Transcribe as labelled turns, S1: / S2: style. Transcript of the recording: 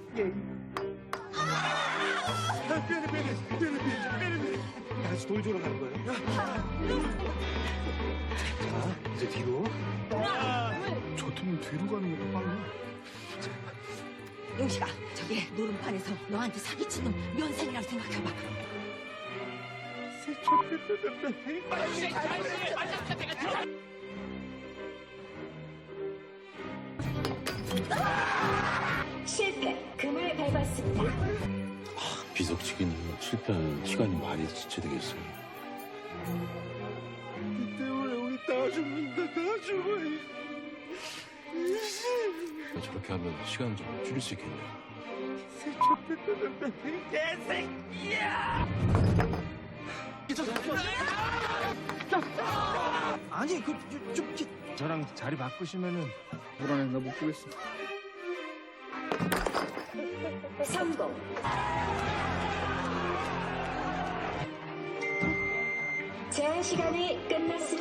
S1: 빼내. 다시 돌 주러 가는 거예요. 자, 이제 뒤로.
S2: 저 팀은 뒤로 가는 게 빨라.
S3: 용식아, 저기 노름판에서 너한테 사기치는 면상이라고 생각해봐.
S4: 실패. 금을 밟았습니다.
S5: 비석치기는 실패하면 시간이 많이 지체되겠어요.
S1: 이 때문에 우리 다 죽는다. 다 죽어.
S5: 저렇게 하면 시간 좀 줄일 수 있겠네요.
S1: 아니, 저랑 자리 바꾸시면은.
S2: 불안해, 나 못 보겠어.
S4: 성공. 제한 시간이 끝났습니다.